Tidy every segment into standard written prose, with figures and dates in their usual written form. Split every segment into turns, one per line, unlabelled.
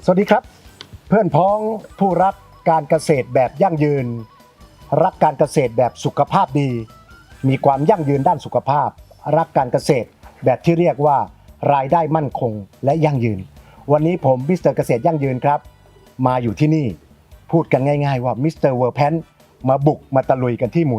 สวัสดีครับเพื่อนพ้องผู้รักการเกษตรแบบยั่งยืนรักการเกษตรแบบสุขภาพดีมีความยั่งยืนด้านสุขภาพรักการเกษตรแบบที่เรียกว่ารายได้มั่นคงและยั่งยืนวันนี้ผมมิสเตอร์เกษตรยั่งยืนครับมาอยู่ที่นี่พูดกันง่ายๆว่ามิสเตอร์เวอร์แพนมาบุกมาตะลุยกันที่หมู่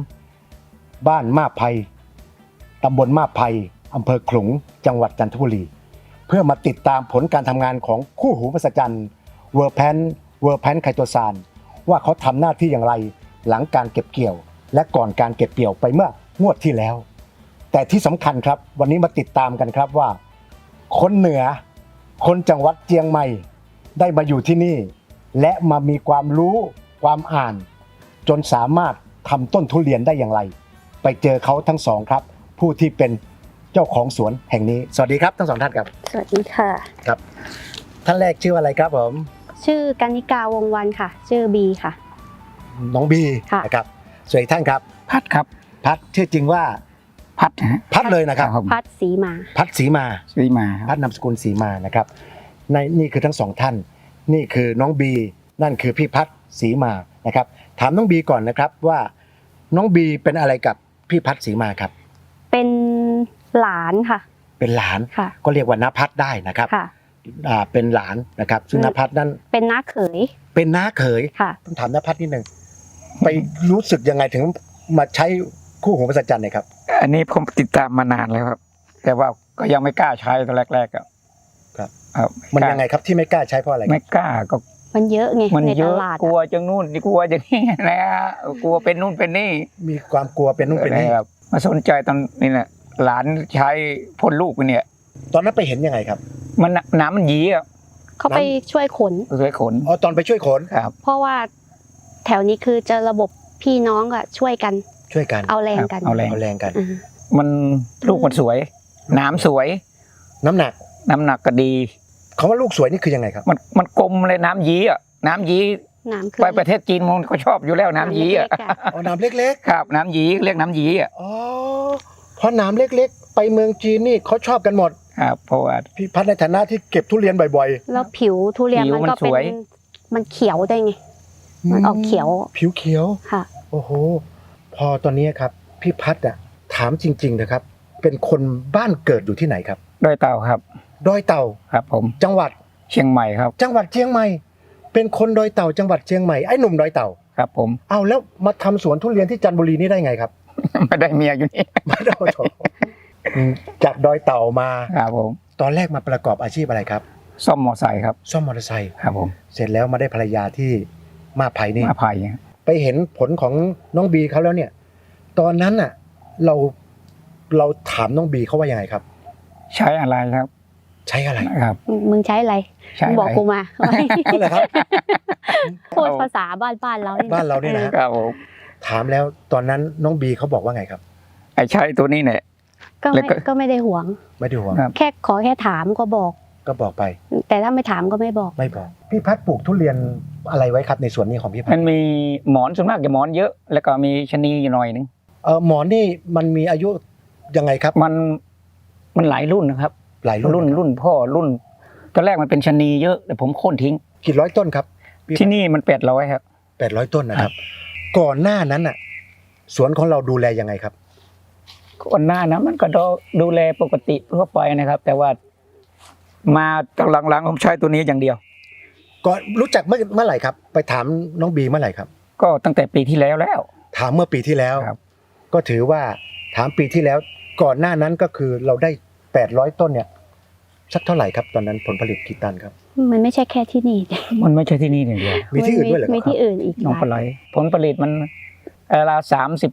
3บ้านมาบไพตำบลมาบไพอำเภอขลุงจังหวัดจันทบุรีเพื่อมาติดตามผลการทำงานของคู่หูมหัศจรรย์เวอร์แพนไคโตซานว่าเขาทำหน้าที่อย่างไรหลังการเก็บเกี่ยวและก่อนการเก็บเกี่ยวไปเมื่องวดที่แล้วแต่ที่สำคัญครับวันนี้มาติดตามกันครับว่าคนเหนือคนจังหวัดเชียงใหม่ได้มาอยู่ที่นี่และมามีความรู้ความอ่านจนสามารถทำต้นทุเรียนได้อย่างไรไปเจอเขาทั้งสองครับผู้ที่เป็นเจ้าของสวนแห่งนี้สวัสดีครับทั้งสองท่านครับ
สวัสดีค่ะ
ครับท่านแรกชื่ออะไรครับผม
ชื่อกนิกาวงวันค่ะชื่อบีค่ะ
น้องบีนะครับส่วนอีกท่านครับ
พัดครับ
พัดชื่อจริงว่าพัดเลยนะครับ
พัดศรีมา
พัดศรีมาพัดนามสกุลศรีมานะครับนี่คือทั้งสองท่านนี่คือน้องบีนั่นคือพี่พัดศรีมานะครับถามน้องบีก่อนนะครับว่าน้องบีเป็นอะไรกับพี่พัดศรีมาครับ
เป็นหลานค่ะ
เป็นหลานก็เรียกว่าน้าพัดได้นะครับเป็นหลานนะครับซึ่งน้าพัดนั่น
เป็นน้าเขย
ต้องถามน้าพัดนิดนึงไปรู้สึกยังไงถึงมาใช้คู่หูมหัศจรรย์เนี่ยครับ
อันนี้ผมติดตามมานานแล้วครับแต่ว่าก็ยังไม่กล้าใช้ตอนแรกๆ
ครับมันยังไงครับที่ไม่กล้าใช้เพราะอะไร
ไม่กล้าก็
มันเยอะไง
ในตลาดกลัวจังนู่นกลัวจังนี่นะกลัวเป็นนู่นเป็นนี่
มีความกลัวเป็นนู่นเป็นนี่
ครับมาสนใจตอนนี้แหละหลานใช้พ่นลูกเนี่ย
ตอนนั้นไปเห็นยังไงครับ
มันน้ำมันยีอ่ะ
เขาไปช่วยขน
อ๋อตอนไปช่วยขน
ครับ
เพราะว่าแถวนี้คือจะระบบพี่น้องอะช่วยกันเอาแรงกัน
มันลูกมันสวยน้ำสวย
น้ำหนัก
ก็ดี
คำว่าลูกสวยนี่คือยังไงครับ
มันกลมเลยน้ำยีอ่ะน้ำยีไปประเทศจีนมันก็ชอบอยู่แล้วน้ำยีอ่ะ
อ๋อน้ำเล็ก
ๆครับน้ำยีเรียกน้ำยีอ่ะ
อ๋อเพราะน้ำเล็กๆไปเมืองจีนนี่เขาชอบกันหมด
ครับเพราะว่า
พี่พัดในฐานะที่เก็บทุเรียนบ่อย
ๆแล้วผิวทุเรียนมันก็เป็นมันเขียวได้ไงมันออกเขียว
ผิวเขียว
ค่ะ
โอ้โหพอตอนนี้ครับพี่พัดถามจริงๆนะครับเป็นคนบ้านเกิดอยู่ที่ไหนครับ
ดอยเต่าครับ
ดอยเต่า
ครับผม
จังหวัด
เชียงใหม่ครับ
จังหวัดเชียงใหม่เป็นคนดอยเต่าจังหวัดเชียงใหม่ไอ้หนุ่มดอยเต่า
ครับผม
เอาแล้วมาทำสวนทุเรียนที่จันทบุรีนี่ได้ไงครับ
ไม่ได้เมียอยู่นี่
ไม่ได้จากดอยเต่ามา
ครับผม
ตอนแรกมาประกอบอาชีพอะไรครับ
ซ่อมมอเตอร์ไซค์ครับ
ซ่อมมอเตอร์ไซค์
ครับผม
เสร็จแล้วมาได้ภรรยาที่มาไผ่นี่
มาไผ่
ไปเห็นผลของน้องบีเขาแล้วเนี่ยตอนนั้นน่ะเราถามน้องบีเขาว่ายังไงครับ
ใช้อะไรครับ
ใช้อะไร
ครับมึงใช้อะไรบอกกูมา
อะไรครับ
พูดภาษาบ้านเรา
เนี่ย
นะครับผม
ถามแล้วตอนนั้นน้องบีเขาบอกว่าไงครับ
ไอ้ใช้ตัวนี้เนี่ย
ก็ไม่ได้หวงแค่ถามก็บอก
ไป
แต่ถ้าไม่ถามก็ไม่บอก
พี่พัดปลูกทุเรียนอะไรไว้ครับในสวนนี้ของพี่พัด
มันมีหมอนส่วนมากจะหมอนเยอะแล้วก็มีชะนีอยู่หน่อยนึง
หมอนนี่มันมีอายุยังไงครับ
มันหลายรุ่นนะครับ
หลาย
รุ่นพ่อรุ่นตอนแรกมันเป็นชะนีเยอะแต่ผมโค่นทิ้ง
กี่ร้อยต้นครับ
ที่นี่มัน800ครับ
800ต้นนะครับก่อนหน้านั้นน่ะสวนของเราดูแลยังไงครับ
ก่อนหน้านะมันก็ดูแลปกติทั่วไปนะครับแต่ว่ามาหลังๆผมใช้ตัวนี้อย่างเดียว
ก็รู้จักเมื่อไหร่ครับไปถามน้องบีเมื่อไหร่ครับ
ก็ตั้งแต่ปีที่แล้ว
ถามเมื่อปีที่แล้วก็ถือว่าถามปีที่แล้วก่อนหน้านั้นก็คือเราได้800ต้นเนี่ยสักเท่าไหร่ครับตอนนั้นผลผลิตกี่ตันครับ
มันไม่ใช่แค่ที่นี่
มันไม่ใช่ที่นี่อย่างเดียว
มีที่อื่นด้วยเหรอ
มีที่อื่นอีก
น้องปลายผลผลิตมันราว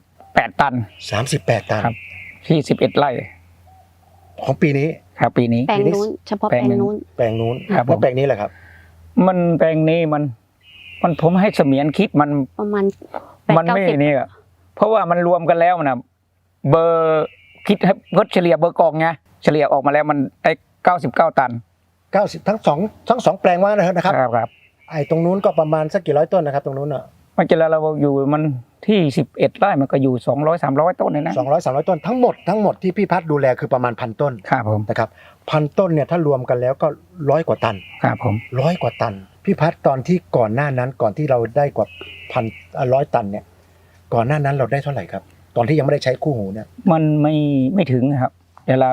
38ตัน
38ตัน
ครับที่11ไร่
ของปีนี้
ครับปีนี้
แปลงนู้นเฉพาะแปลงนู้น
ครับแล้วแปลงนี้แหละครับ
มันแปลงนี้มันผมให้เสมียนคิดมัน
ประมาณ
มันไม่นี่อ่ะเพราะว่ามันรวมกันแล้วนะเบอร์คิดให้เฉลี่ยเบอร์กองไงเฉลี่ยออกมาแล้วมันได้99ตัน
90ทั้งสองแปลงว่านะครับ
ครับ
ไอ้ตรงนู้นก็ประมาณสักกี่ร้อยต้นนะครับตรงนู้นอ่ะ
มันจะเราอยู่มันที่11 ไร่มันก็อยู่200-300 ต้นเลยนะ
200-300 ต้นทั้งหมดที่พี่พัฒน์ดูแลคือประมาณ 1,000 ต้น
ครับผม
นะครับ1,000 ต้นเนี่ยถ้ารวมกันแล้วก็100 กว่าตัน
ครับผม
100 กว่าตันพี่พัฒน์ตอนที่ก่อนหน้านั้นก่อนที่เราได้กว่า100 ตันเนี่ยก่อนหน้านั้นเราได้เท่าไหร่ครับตอนที่ยังไม่ได้ใช้คู่หูเนี่ย
มันไม่ถึงครับเดี๋ยวละ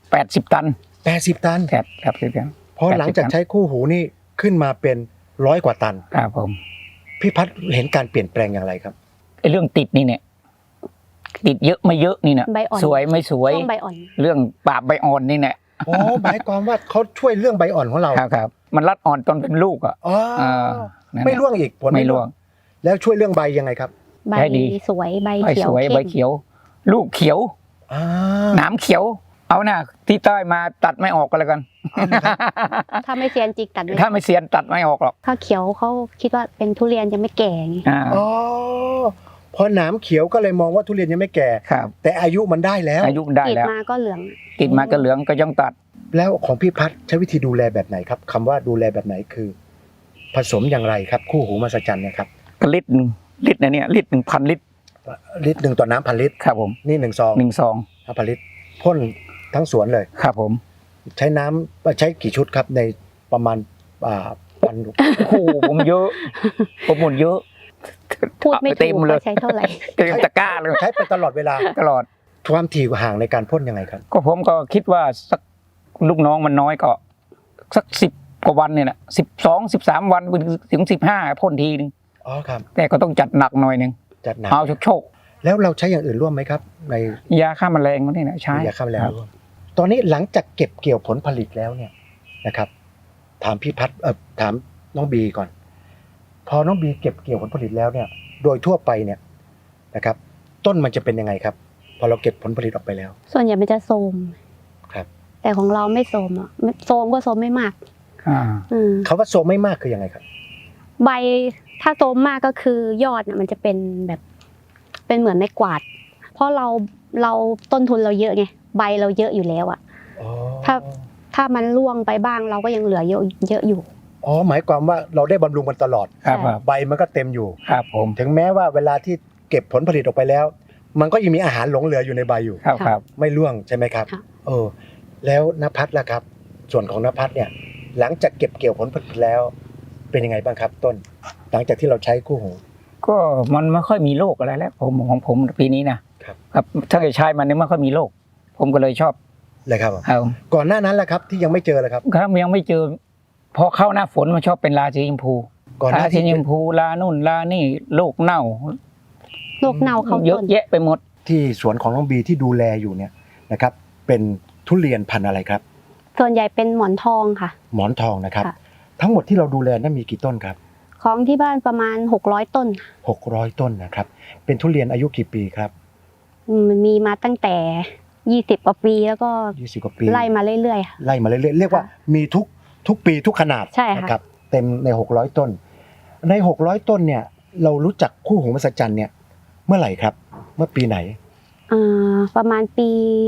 80 ตัน
80 ตัน
ครับเพียง
พอหลังจากใช้คู่หูนี่ขึ้นมาเป็น100 กว่าตัน
ครับผม
พี่พัฒน์เห็นการเปลี่ยนแปลงอย่างไรครับ
ไอ้เรื่องติดนี่เนี่ยติดเยอะไม่เยอะนี่เนี่ย
ใบอ่อน
สวยไม่สวย
ช่วงใบอ่อน
เรื่องปราบใบอ่อนนี่เนี่ย
อ๋อหมายความว่าเขาช่วยเรื่องใบอ่อนของเรา
ครับมันรัดอ่อนตอนเป็นลูกอ่ะ
อ๋อ
นั่นแหละ
ไม่ร่วงอีกผล
ไม่ร่วง
แล้วช่วยเรื่องใบยังไงครับ
ใบ
ได้ดี
สวยใบ
ใบ
เขียว
สวย
เข้
ใบ
ม
เขียว ลูกเขียว
อ่า
หนามเขียว เอาหน้าที่ใต้มาตัดไม่ออกก็แล้วกัน
ถ้าไม่เซียนจิกตัดไม่
ถ้าไม่เสียนตัดไม่ออกหรอก
ถ้าเขียวเขาคิดว่าเป็นทุเรียนยังไม่แก่ไง
อ๋อพอหนามเขียวก็เลยมองว่าทุเรียนยังไม่แก่
ครับ
แต่อายุมันได้แล้ว
อายุได้
ติด
แล้ว
มาก็เหลือง
ติดมาก็เหลืองก็ยังตัด
แล้วของพี่พัฒน์ใช้วิธีดูแลแบบไหนครับคำว่าดูแลแบบไหนคือ ผสมอย่างไรครับคู่หูมหัศจรรย์เนี่ยครับ
ก็ลิตรหนึ่งนะเนี่ยลิตร 1,000 ลิตร
ลิตรหนึ่งต่อน้ำ1,000 ลิตร
ครับผม
นี่1 ซอง
1 ซอง
5,000 ลิตรพ่นทั้งสวนเลย
ครับผม
ใช้น้ำใช้กี่ชุดครับในประมาณวัน
โอ้โหผมเยอะผมหมดเยอะ
พูดไม่
เต็
ถู
ม
ก
เลย
ว่าใช้เท่าไหร่
เต็มตะกร้าเลย
ใช้ไปตลอดเวลา
ตลอด
ความถี่ห่างในการพ่นยังไงครับ
ก็ผมก็คิดว่าสักลูกน้องมันน้อยก็สัก10 กว่าวันเนี่ยนะ12-13 วันถึง15พ่นทีนึง
อ๋อครับ
แต่ก็ต้องจัดหนักหน่อยนึง
จัดหนัก
เอาโชค
แล้วเราใช้อย่างอื่นร่วมไหมครับ ใน
ๆยาฆ่าแมลงนี่นะใช้
ยาฆ่าแมลง
ครับ
ร่วมตอนนี้หลังจากเก็บเกี่ยวผลผลิตแล้วเนี่ยนะครับ ถามพี่พัฒน์ถามน้องบีก่อน พอน้องบีเก็บเกี่ยวผลผลิตแล้วเนี่ย โดยทั่วไปเนี่ยนะครับ ต้นมันจะเป็นยังไงครับ พอเราเก็บผลผลิตออกไปแล้ว
ส่วนใหญ่มันจะโทรม
ครับ
แต่ของเราไม่โทรมอ่ะโทรมก็โทรมไม่มาก
อ่า
ม
คำว่าโซมไม่มากคือยังไงครับ
ใบถ้าโทรมมากก็คือยอดน่ะมันจะเป็นแบบเป็นเหมือนไม้กวาด เพราะเราต้นทุนเราเยอะไงใบเราเยอะอยู่แล้วอ่ะ
อ๋อ
ถ้ามันร่วงไปบ้างเราก็ยังเหลือเยอะอยู่
อ๋อหมายความว่าเราได้บำรุงมันตลอด
ครับ
ใช่
ใบมันก็เต็มอยู่
ครับผม
ถึงแม้ว่าเวลาที่เก็บผลผลิตออกไปแล้ว มันก็ยังมีอาหารหลงเหลืออยู่ในใบอยู่
ครับครับ
ไม่ร่วงใช่ไหมครับ
ค่ะ
แล้วณภัทรล่ะครับ ส่วนของณภัทรเนี่ย หลังจากเก็บเกี่ยวผลผลิตแล้ว เป็นยังไงบ้างครับต้น หลังจากที่เราใช้คู่หู
ก็มันไม่ค่อยมีโรคอะไรแล้วของผมปีนี้นะครับ ครับถ้าเกิดใช้มันเนี่ยไม่ค่อยมีโรคผมก็เลยชอบ
เลยครับผม
เอา
ก่อนหน้านั้นล่ะครับที่ยังไม่เจอเลยครับ
ครับยังไม่เจอพอเข้าหน้าฝนมันชอบเป็นราสีชมพู
ก่อนห
รา
น้า
สี
ที่
ชมพูลานู่นลานี่โรคเน่า
โรคเน่าเข้า
เยอะ
ต้น
แยะไปหมด
ที่สวนของน้องบีที่ดูแลอยู่เนี่ยนะครับ เป็นทุเรียนพันธุ์อะไรครับ
ส่วนใหญ่เป็นหมอนทองค่ะ
หมอนทองนะครับ
ค่ะ
ทั้งหมดที่เราดูแลนั้นมีกี่ต้นครับ
ของที่บ้านประมาณ600ต้น
600 ต้นนะครับ เป็นทุเรียนอายุกี่ปีครับ
มันมีมาตั้งแต่20 กว่าปีแล้วก็
20 กว่าปี
ไล่มาเรื่อยๆค่ะ
ไล่มาเรื่อยๆเรียกว่ามีทุกปีทุกขนาด
ใช่ค่ะ
นะครับเต็มใน600ต้นใน600ต้นเนี่ยเรารู้จักคู่หูมหัศจรรย์เนี่ยเมื่อไหร่ครับเมื่อปีไหน
ประมาณปี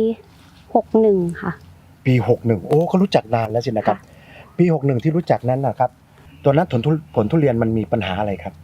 61ค่ะ
ปี61โอ้ก็รู้จักนานแล้วสินะครับ ปี61ที่รู้จักนั้นนะครับตอนนั้นผลทุเรียนมันมีปัญหาอะไรครับ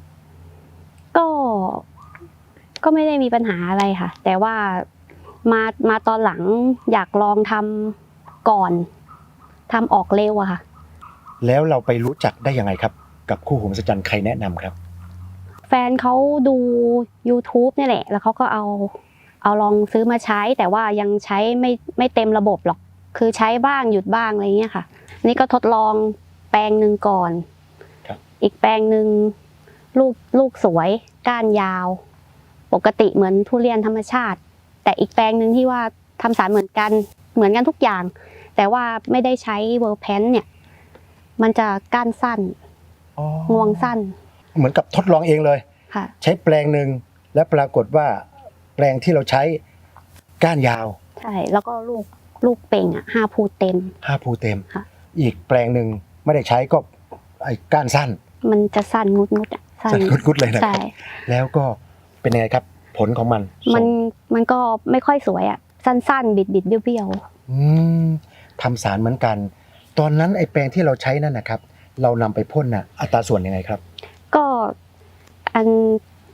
ก็ไม่ได้มีปัญหาอะไรค่ะ แต่ว่ามาตอนหลังอยากลองทำก่อนทำออกเร็วอะค่ะ
แล้วเราไปรู้จักได้ยังไงครับ กับคู่หูมหัศจรรย์ใครแนะนำครับ
แฟนเขาดู YouTube นี่แหละ แล้วเขาก็เอาลองซื้อมาใช้ แต่ว่ายังใช้ไม่เต็มระบบหรอก คือใช้บ้างหยุดบ้างอะไรเงี้ยค่ะ นี่ก็ทดลองแปลงหนึ่งก่อน
ครับ
อีกแปลงหนึ่งลูกสวยก้านยาว ปกติเหมือนทุเรียนธรรมชาติ แต่อีกแปลงหนึ่งที่ว่าทำสารเหมือนกันทุกอย่าง แต่ว่าไม่ได้ใช้เวอร์แพนเนี่ย มันจะก้านสั้นงวงสั้น
เหมือนกับทดลองเองเลย
ค่ะ
ใช้แปลงหนึ่งและปรากฏว่าแปลงที่เราใช้ก้านยาว
ใช่ แล้วก็ลูกเป่งอ่ะ5 ภูเต็ม
5 ภูเต็ม
ค่ะ
อีกแปลงหนึ่งไม่ได้ใช้ก็ไอ้ก้านสั้น
มันจะสั้นงุดอ่ะสั้น
สั้นกุดๆเลยนะค
ใช่
รับแล้วก็เป็นยังไงครับ ผลของมัน
มันก็ไม่ค่อยสวยอ่ะสั้นๆ บิดเบี้ยว
อืมทำสารเหมือนกัน ตอนนั้นไอ้แปลงที่เราใช้นั่นนะครับ เรานำไปพ่นน่ะอัตราส่วนยังไงครับ
ๆก็อัน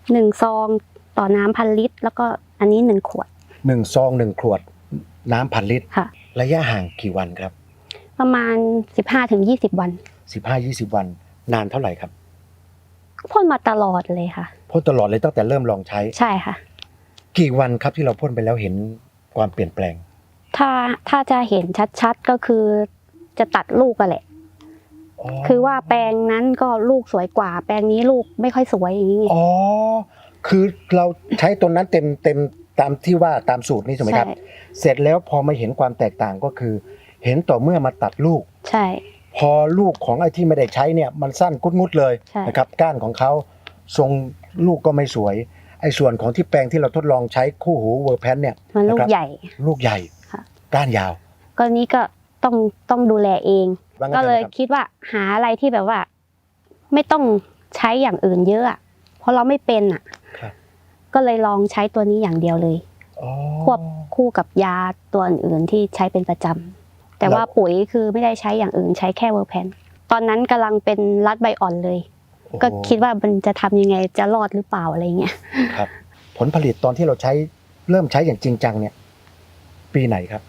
1 ซองต่อน้ำ1,000 ลิตร แล้วก็อันนี้1 ขวด
1 ซอง 1 ขวดน้ำ1,000 ลิตร
ค่ะ
ระยะห่างกี่วันครับ
ประมาณ 15-20 วัน
15-20 วันนานเท่าไหร่ครับ
พ่นมาตลอดเลยค่ะ
พ่นตลอดเลยตั้งแต่เริ่มลองใช้
ใช่ค่ะ
กี่วันครับที่เราพ่นไปแล้วเห็นความเปลี่ยนแปลง
ถ้าจะเห็นชัดๆก็คือจะตัดลูกกันแหละ คือว่าแปลงนั้นก็ลูกสวยกว่า แปลงนี้ลูกไม่ค่อยสวยอย่างนี้ไง
อ๋อคือเราใช้ตัวนั้นเต็มตามที่ว่าตามสูตรนี้ใช่ไหมครับ
ใช่
เสร็จแล้วพอมาเห็นความแตกต่างก็คือ เห็นต่อเมื่อมาตัดลูก
ใช่
พอลูกของไอ้ที่ไม่ได้ใช้เนี่ยมันสั้นกุดงุดเลย
ใช่
นะครับก้านของเขาทรงลูกก็ไม่สวยไอ้ส่วนของที่แปลงที่เราทดลองใช้คู่หูเวอร์แพนเนี่ย
มันลูก
นะครับ
ใหญ่
ลูกใหญ่
ค่ะ
ก้านยาว
ก็นี้ก็ต้องดูแลเอง
ว่างั้น
ก็เลย
ถอะนะครับ
คิดว่าหาอะไรที่แบบว่า ไม่ต้องใช้อย่างอื่นเยอะอะเพราะเราไม่เป็นอ่ะ
ครับ
ก็เลยลองใช้ตัวนี้อย่างเดียวเลย
อ๋อ
ควบคู่กับยาตัวอื่นๆที่ใช้เป็นประจำแต่ว่าปุ๋ยคือไม่ได้ใช้อย่างอื่นใช้แค่เวอร์แพนตอนนั้นกำลังเป็นรัดใบอ่อนเลย
โอ้โห
ก็คิดว่ามันจะทำยังไงจะรอดหรือเปล่าอะไรเงี้ย
ครับ ผลผลิตตอนที่เราใช้เริ่มใช้อย่างจริงจังเนี่ย ปีไหนครับ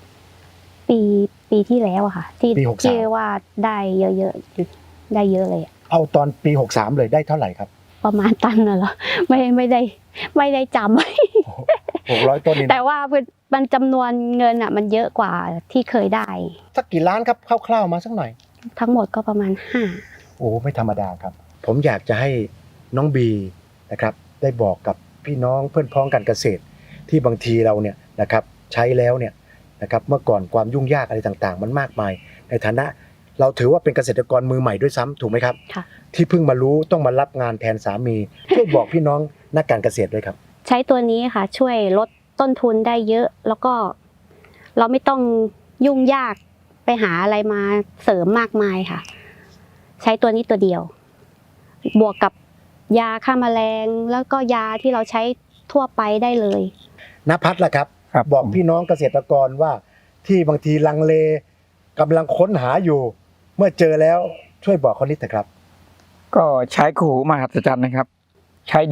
ปีที่แล้วอะค่ะ ที่
ปี63
ที่ว่าได้เยอะๆได้เยอะเลยอะ
เอาตอนปี 63 เลยได้เท่าไหร่ครับ
ประมาณตันน่ะเหรอไม่ได้จำ
600 ต้นนี่
แต่
นะ
ว่ามันจำนวนเงินอะมันเยอะกว่าที่เคยได้
สักกี่ล้านครับคร่าวๆมาสักหน่อย
ทั้งหมดก็ประมาณ
โอ้ไม่ธรรมดาครับ ผมอยากจะให้น้องบีนะครับได้บอกกับพี่น้องเพื่อนพ้องการเกษตร ที่บางทีเราเนี่ยนะครับใช้แล้วเนี่ยนะครับเมื่อก่อนความยุ่งยากอะไรต่างๆ มันมากมาย ในฐานะเราถือว่าเป็นเกษตรกรมือใหม่ด้วยซ้ำถูกไหมครับ
ค่ะ
ที่เพิ่งมารู้ต้องมารับงานแทนสามีช่วยบอกพี่น้องนักการเกษตรด้วยครับ
ใช้ตัวนี้ค่ะ ช่วยลดต้นทุนได้เยอะ แล้วก็เราไม่ต้องยุ่งยากไปหาอะไรมาเสริมมากมายค่ะ ใช้ตัวนี้ตัวเดียว บวกกับยาฆ่าแมลงแล้วก็ยาที่เราใช้ทั่วไปได้เลย
ณพัฒน์ล่ะครับ
ครับ
บอกพี่น้องเกษตรกรว่าที่บางทีลังเลกำลังค้นหาอยู่ เมื่อเจอแล้วช่วยบอกเขานิดเถอะครับ
ก็ใช้คู่หูมหัศจรรย์นะครับ ใช้ดี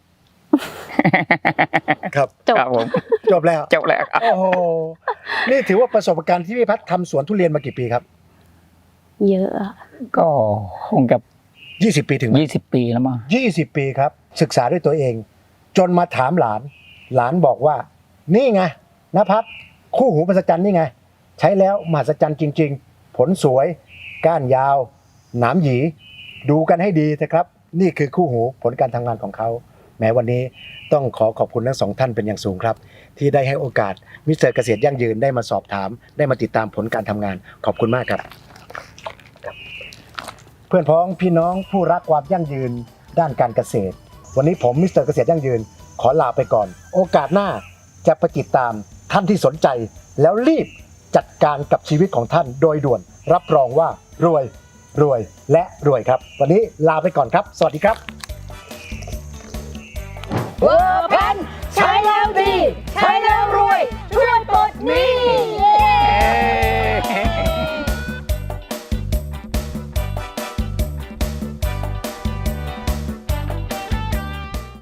ครับ
จบ
ครับผม
จบแล้ว
จบแล้วครับ
โอ้โหนี่ถือว่าประสบการณ์ที่พี่พัฒน์ทำสวนทุเรียนมากี่ปีครับ
เยอะอะ
ก็คงกับ
20 ปีถึงไหม
20 ปีแล้วมั้ง
20 ปีครับ ศึกษาด้วยตัวเอง จนมาถามหลาน หลานบอกว่า นี่ไงณพัฒน์คู่หูมหัศจรรย์นี่ไง ใช้แล้วมหัศจรรย์จริง ๆ ผลสวย ก้านยาว หนามหยี ดูกันให้ดีนะครับ นี่คือคู่หูผลการทำงานของเขา แม้วันนี้ต้องขอบคุณทั้งสองท่านเป็นอย่างสูงครับ ที่ได้ให้โอกาสมิสเตอร์เกษตรยั่งยืนได้มาสอบถาม ได้มาติดตามผลการทำงาน ขอบคุณมากครับ เพื่อนพ้องพี่น้องผู้รักความยั่งยืนด้านการเกษตร วันนี้ผมมิสเตอร์เกษตรยั่งยืนขอลาไปก่อน โอกาสหน้าจะไปติดตามท่านที่สนใจ แล้วรีบจัดการกับชีวิตของท่านโดยด่วน รับรองว่ารวยและรวยครับ วันนี้ลาไปก่อนครับ สวัสดีครับ